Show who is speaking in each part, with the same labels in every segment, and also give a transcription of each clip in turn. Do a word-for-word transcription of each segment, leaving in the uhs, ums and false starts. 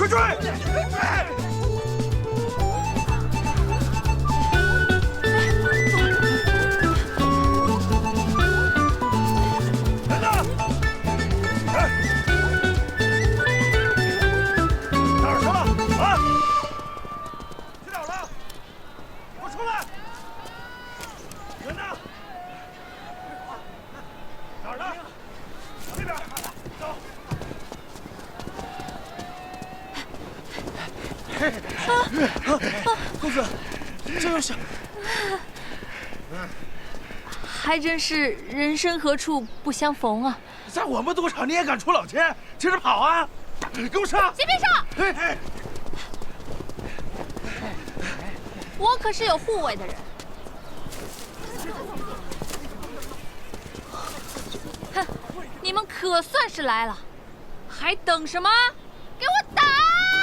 Speaker 1: 追！人呢？哎，哪儿去了？啊！去哪儿了？给我出来！人呢？哪儿呢？往那边走。
Speaker 2: 公子，这又是……
Speaker 3: 还真是人生何处不相逢啊！
Speaker 1: 在我们赌场你也敢出老千，接着跑啊！给我上！
Speaker 3: 先别上！
Speaker 1: 哎哎，
Speaker 3: 我可是有护卫的人。哼，你们可算是来了，还等什么？给我打！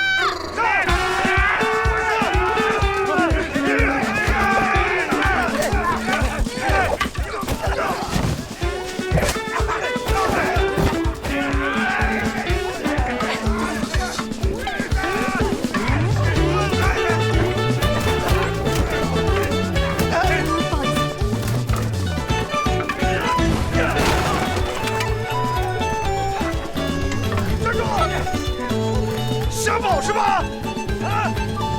Speaker 1: 瞎跑是吧？啊！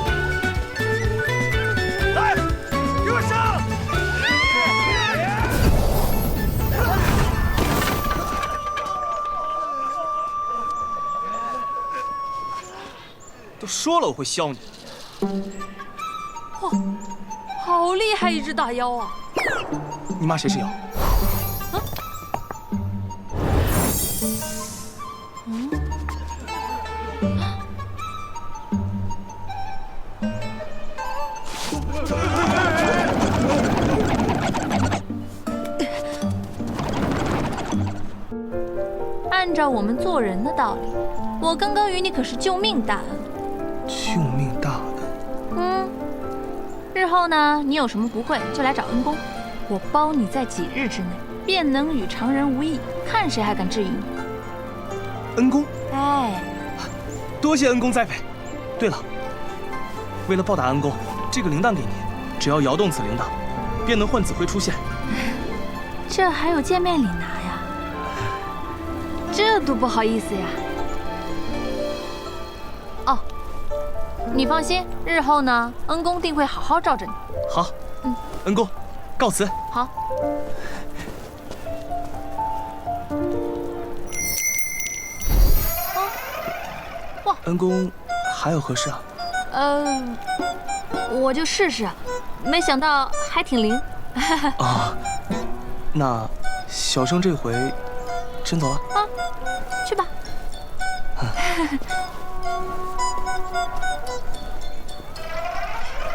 Speaker 1: 来，给我上！
Speaker 2: 都说了我会削你。
Speaker 3: 哇，好厉害一只大妖啊！
Speaker 2: 你骂谁是妖？
Speaker 3: 啊？嗯。 按照我们做人的道理，我刚刚与你可是救命大恩。
Speaker 2: 救命大恩。
Speaker 3: 嗯，日后呢，你有什么不会就来找恩公，我包你在几日之内便能与常人无异，看谁还敢质疑你。
Speaker 2: 恩公，
Speaker 3: 哎，
Speaker 2: 多谢恩公栽培。对了，为了报答恩公，这个铃铛给你，只要摇动此铃铛，便能唤子辉出现。
Speaker 3: 这还有见面礼拿呀？这多不好意思呀！哦，你放心，日后呢，恩公定会好好罩着你。
Speaker 2: 好，嗯，恩公，告辞。
Speaker 3: 好。哦，哇，
Speaker 2: 恩公还有何事啊？
Speaker 3: 呃，我就试试，没想到还挺灵。
Speaker 2: 啊，那小生这回真走了。
Speaker 3: 啊，去吧。